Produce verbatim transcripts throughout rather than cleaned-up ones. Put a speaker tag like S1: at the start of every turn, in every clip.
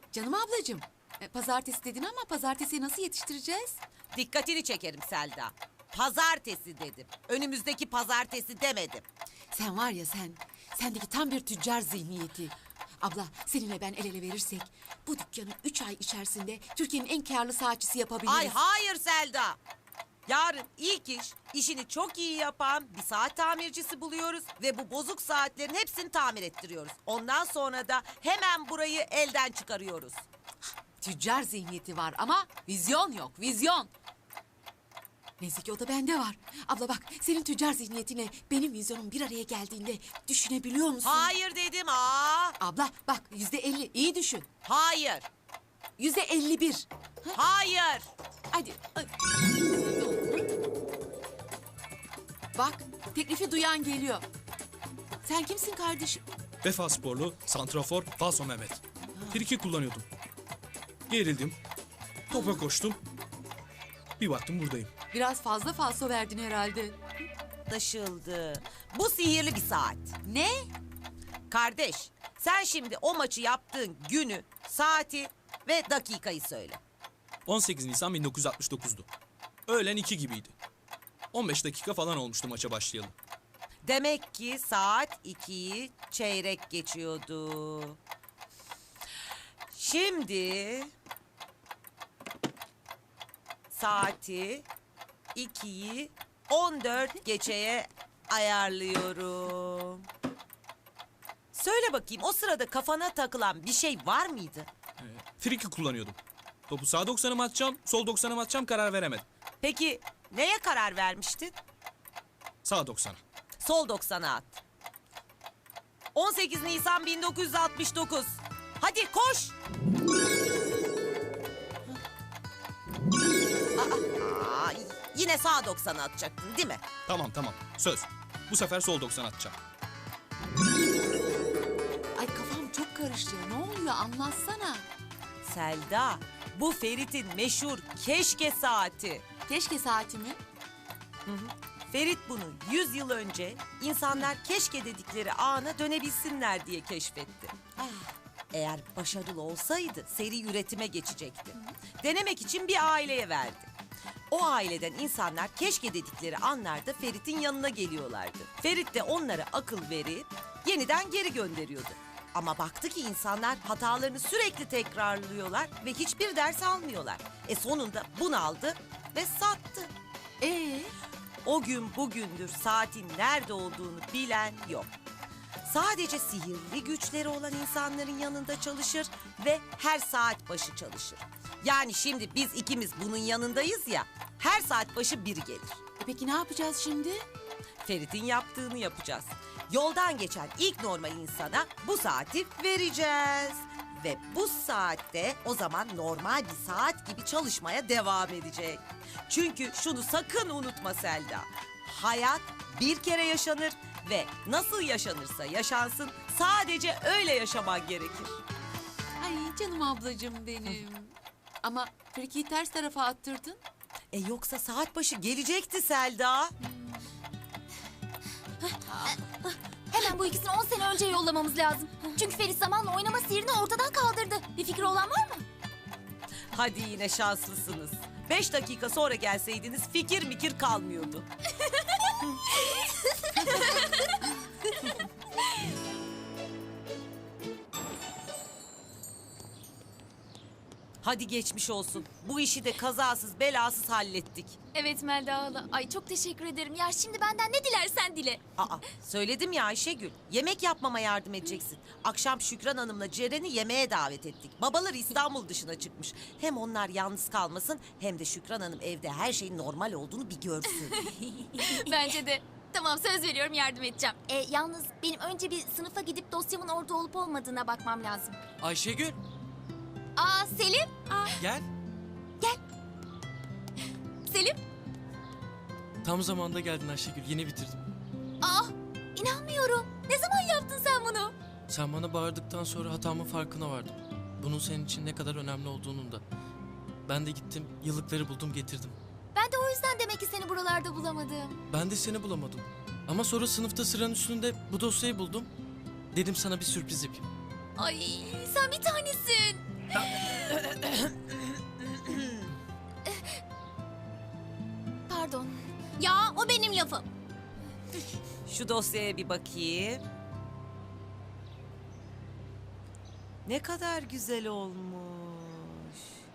S1: Canım ablacığım, e, pazartesi dedin ama pazartesiyi nasıl yetiştireceğiz?
S2: Dikkatini çekerim Selda. Pazartesi dedim. Önümüzdeki pazartesi demedim.
S1: Sen var ya sen, sendeki tam bir tüccar zihniyeti. Abla seninle ben el ele verirsek bu dükkanı üç ay içerisinde Türkiye'nin en karlı saatçisi yapabiliriz.
S2: Ay hayır Selda. Yarın ilk iş, işini çok iyi yapan bir saat tamircisi buluyoruz ve bu bozuk saatlerin hepsini tamir ettiriyoruz. Ondan sonra da hemen burayı elden çıkarıyoruz.
S1: Tüccar zihniyeti var ama vizyon yok, vizyon. Neyse ki o da bende var. Abla bak, senin tüccar zihniyetinle benim vizyonum bir araya geldiğinde düşünebiliyor musun?
S2: Hayır dedim aa.
S1: Abla bak, yüzde elli, iyi düşün.
S2: Hayır.
S1: Yüzde elli bir.
S2: Hayır.
S1: Hadi. Ay. Bak, teklifi duyan geliyor. Sen kimsin kardeşim?
S3: Vefa sporlu, santrafor, Falso Mehmet. Friki kullanıyordum. Gerildim. Topa koştum. Bir baktım buradayım.
S1: Biraz fazla falso verdin herhalde.
S2: Anlaşıldı. Bu sihirli bir saat.
S1: Ne?
S2: Kardeş, sen şimdi o maçı yaptığın günü, saati ve dakikayı söyle.
S3: on sekiz Nisan bin dokuz yüz altmış dokuz'du. Öğlen iki gibiydi. on beş dakika falan olmuştu maça başlayalı.
S2: Demek ki saat ikiyi çeyrek geçiyordu. Şimdi saati ikiyi on dört geçeye ayarlıyorum. Söyle bakayım, o sırada kafana takılan bir şey var mıydı?
S3: Ee, friki kullanıyordum. Topu sağ doksan'a mı atacağım, sol doksan'a mı atacağım karar veremedim.
S2: Peki neye karar vermiştin?
S3: Sağ doksan'a.
S2: Sol doksana at. on sekiz Nisan bin dokuz yüz altmış dokuz. Hadi koş. Aa, aa, yine sağ doksana atacaktın değil mi?
S3: Tamam tamam, söz. Bu sefer sol doksan'a atacağım.
S1: Ay kafam çok karıştı. Ne oluyor anlatsana.
S2: Selda, bu Ferit'in meşhur keşke saati.
S1: Keşke saatimi.
S2: Ferit bunu yüz yıl önce insanlar keşke dedikleri ana dönebilsinler diye keşfetti. Eğer başarılı olsaydı seri üretime geçecekti. Denemek için bir aileye verdi. O aileden insanlar keşke dedikleri anlarda Ferit'in yanına geliyorlardı. Ferit de onlara akıl verip yeniden geri gönderiyordu. Ama baktı ki insanlar hatalarını sürekli tekrarlıyorlar ve hiçbir ders almıyorlar. E sonunda bunaldı ve sattı.
S1: Ee?
S2: O gün bugündür saatin nerede olduğunu bilen yok. Sadece sihirli güçleri olan insanların yanında çalışır ve her saat başı çalışır. Yani şimdi biz ikimiz bunun yanındayız ya, her saat başı biri gelir.
S1: E peki ne yapacağız şimdi?
S2: Ferit'in yaptığını yapacağız. Yoldan geçen ilk normal insana bu saati vereceğiz. Ve bu saatte o zaman normal bir saat gibi çalışmaya devam edecek. Çünkü şunu sakın unutma Selda. Hayat bir kere yaşanır ve nasıl yaşanırsa yaşansın sadece öyle yaşaman gerekir.
S1: Ay canım ablacığım benim. Ama frikiyi ters tarafa attırdın.
S2: E yoksa saat başı gelecekti Selda.
S4: Hemen bu ikisini on sene önce yollamamız lazım. Çünkü Ferit zamanla oynama sihrini ortadan kaldırdı. Bir fikri olan var mı?
S2: Hadi yine şanslısınız. Beş dakika sonra gelseydiniz fikir mikir kalmıyordu. Hadi geçmiş olsun. Bu işi de kazasız belasız hallettik.
S4: Evet Melda hala. Ay çok teşekkür ederim. Ya şimdi benden ne dilersen dile.
S2: Aa, söyledim ya Ayşegül. Yemek yapmama yardım edeceksin. Akşam Şükran Hanım'la Ceren'i yemeğe davet ettik. Babaları İstanbul dışına çıkmış. Hem onlar yalnız kalmasın hem de Şükran Hanım evde her şeyin normal olduğunu bir görsün.
S4: Bence de. Tamam söz veriyorum yardım edeceğim. E, yalnız benim önce bir sınıfa gidip dosyamın orada olup olmadığına bakmam lazım.
S5: Ayşegül,
S4: Aa Selim. Aa,
S5: gel.
S4: Selim.
S5: Tam zamanda geldin Ayşegül, yeni bitirdim.
S4: Aa inanmıyorum. Ne zaman yaptın sen bunu?
S5: Sen bana bağırdıktan sonra hatamın farkına vardım. Bunun senin için ne kadar önemli olduğunun da. Ben de gittim, yıllıkları buldum getirdim.
S4: Ben de o yüzden demek ki seni buralarda bulamadım.
S5: Ben de seni bulamadım. Ama sonra sınıfta sıranın üstünde bu dosyayı buldum. Dedim sana bir sürpriz yapayım.
S4: Ay sen bir tanesin. Pardon. Ya o benim lafım.
S2: Şu dosyaya bir bakayım. Ne kadar güzel olmuş.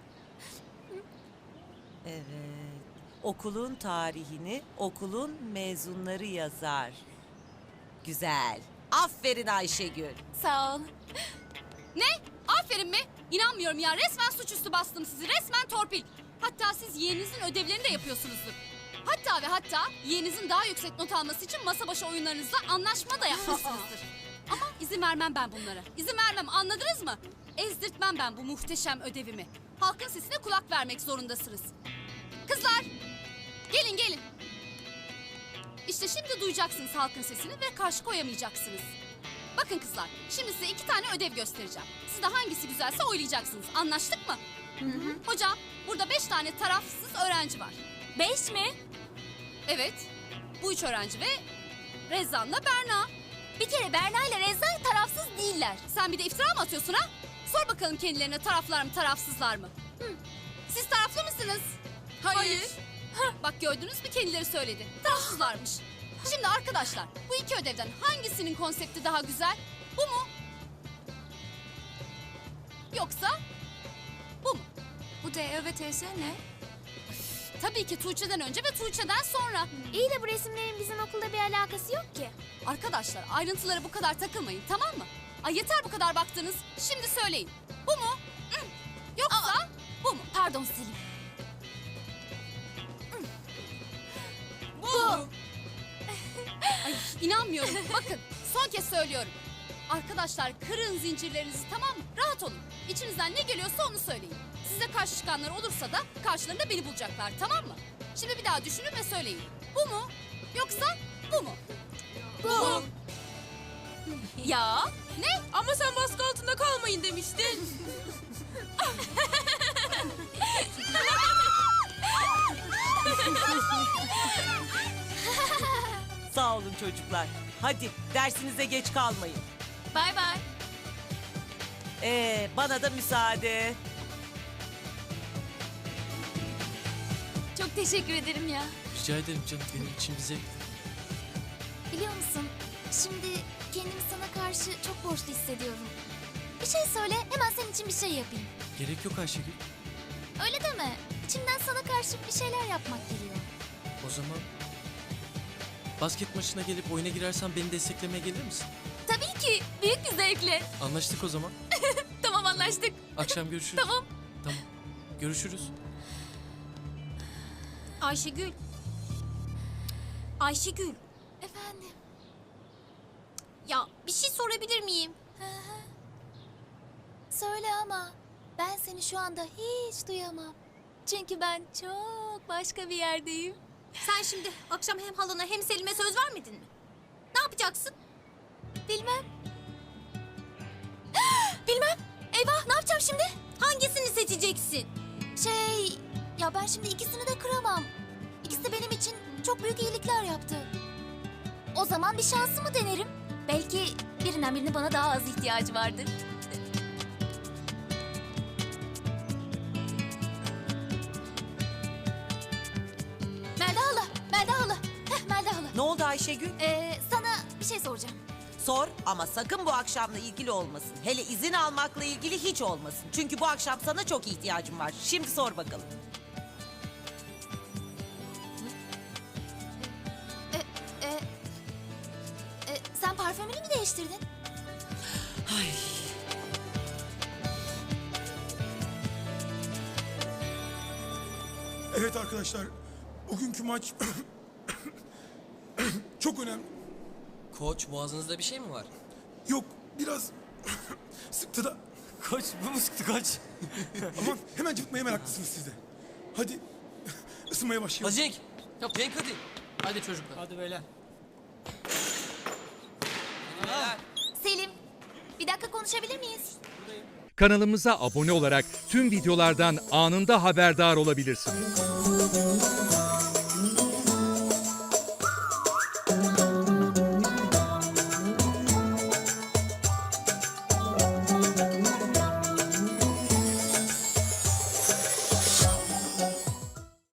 S2: Evet. Okulun tarihini okulun mezunları yazar. Güzel. Aferin Ayşegül.
S4: Sağ ol.
S6: Ne? Aferin mi? İnanmıyorum ya. Resmen suçüstü bastım sizi. Resmen torpil. Hatta siz yeğeninizin ödevlerini de yapıyorsunuzdur. Hatta ve hatta yeğeninizin daha yüksek not alması için masa başı oyunlarınızla anlaşma da yapmışsınızdır. Ama izin vermem ben bunlara. İzin vermem, anladınız mı? Ezdirtmem ben bu muhteşem ödevimi. Halkın sesine kulak vermek zorundasınız. Kızlar! Gelin gelin. İşte şimdi duyacaksınız halkın sesini ve karşı koyamayacaksınız. Bakın kızlar, şimdi size iki tane ödev göstereceğim. Siz de hangisi güzelse oylayacaksınız. Anlaştık mı? Hı hı. Hocam, burada beş tane tarafsız öğrenci var.
S4: Beş mi?
S6: Evet, bu üç öğrenci ve Rezan'la Berna.
S4: Bir kere Berna ile Reza tarafsız değiller.
S6: Sen bir de iftira mı atıyorsun ha? Sor bakalım kendilerine taraflar mı, tarafsızlar mı? Hı. Siz taraflı mısınız? Hayır. Hah, bak gördünüz mü, kendileri söyledi. Tarafsızlarmış. Şimdi arkadaşlar, bu iki ödevden hangisinin konsepti daha güzel? Bu mu? Yoksa bu mu?
S4: Bu D Ö ve T S ne?
S6: Tabii ki Tuğçe'den önce ve Tuğçe'den sonra.
S4: İyi de bu resimlerin bizim okulda bir alakası yok ki.
S6: Arkadaşlar, ayrıntılara bu kadar takılmayın, tamam mı? Ay yeter bu kadar baktınız. Şimdi söyleyin. Bu mu? Hı. Yoksa
S4: Aa.
S6: bu mu?
S4: Pardon Selim.
S6: Bu. Ay inanmıyorum. Bakın son kez söylüyorum. Arkadaşlar kırın zincirlerinizi, tamam mı? Rahat olun. İçinizden ne geliyorsa onu söyleyin. Size karşı çıkanlar olursa da karşılarında beni bulacaklar, tamam mı? Şimdi bir daha düşünün ve söyleyin. Bu mu? Yoksa bu mu?
S4: Bu.
S6: Ya ne? Ama sen baskı altında kalmayın demiştin.
S2: Sağ olun çocuklar. Hadi dersinize geç kalmayın.
S4: Bay bay.
S2: Ee, bana da müsaade.
S4: Çok teşekkür ederim ya.
S5: Rica ederim canım, benim için bize.
S4: Biliyor musun? Şimdi kendimi sana karşı çok borçlu hissediyorum. Bir şey söyle, hemen senin için bir şey yapayım.
S5: Gerek yok Ayşegül.
S4: Öyle deme. İçimden sana karşı bir şeyler yapmak geliyor.
S5: O zaman basket maçına gelip oyuna girersen beni desteklemeye gelir misin?
S4: Tabii ki. Büyük bir zevkle.
S5: Anlaştık o zaman.
S4: Tamam, anlaştık.
S5: Akşam görüşürüz.
S4: Tamam.
S5: Tamam. Görüşürüz.
S6: Ayşegül. Ayşegül.
S4: Efendim.
S6: Ya bir şey sorabilir miyim?
S4: Hı hı. Söyle ama ben seni şu anda hiç duyamam. Çünkü ben çok başka bir yerdeyim.
S6: Sen şimdi akşam hem halana hem Selim'e söz vermedin mi? Ne yapacaksın?
S4: Bilmem. Bilmem. Eyvah, ne yapacağım şimdi?
S6: Hangisini seçeceksin?
S4: Şey, ya ben şimdi ikisini de kıramam. İkisi de benim için çok büyük iyilikler yaptı. O zaman bir şansımı denerim. Belki birinden birine bana daha az ihtiyacı vardır. Melda hala, Melda hala. Heh, Melda hala.
S2: Ne oldu Ayşegül?
S4: Ee, sana bir şey soracağım.
S2: Sor ama sakın bu akşamla ilgili olmasın. Hele izin almakla ilgili hiç olmasın. Çünkü bu akşam sana çok ihtiyacım var. Şimdi sor bakalım.
S4: Ee, e, sen parfümünü mü değiştirdin?
S2: Ay.
S7: Evet arkadaşlar, bugünkü maç çok önemli.
S8: Koç, boğazınızda bir şey mi var?
S7: Yok, biraz sıktı da
S8: Koç, bu mu sıktı koç?
S7: ama hemen cıvıtmaya meraklısınız siz de. Hadi ısınmaya başlayalım.
S8: Hadi Cenk. Yap Cenk hadi.
S5: Hadi çocuklar.
S8: Hadi beyler. Hadi beyler.
S4: Selim, bir dakika konuşabilir miyiz?
S9: Kanalımıza abone olarak tüm videolardan anında haberdar olabilirsiniz.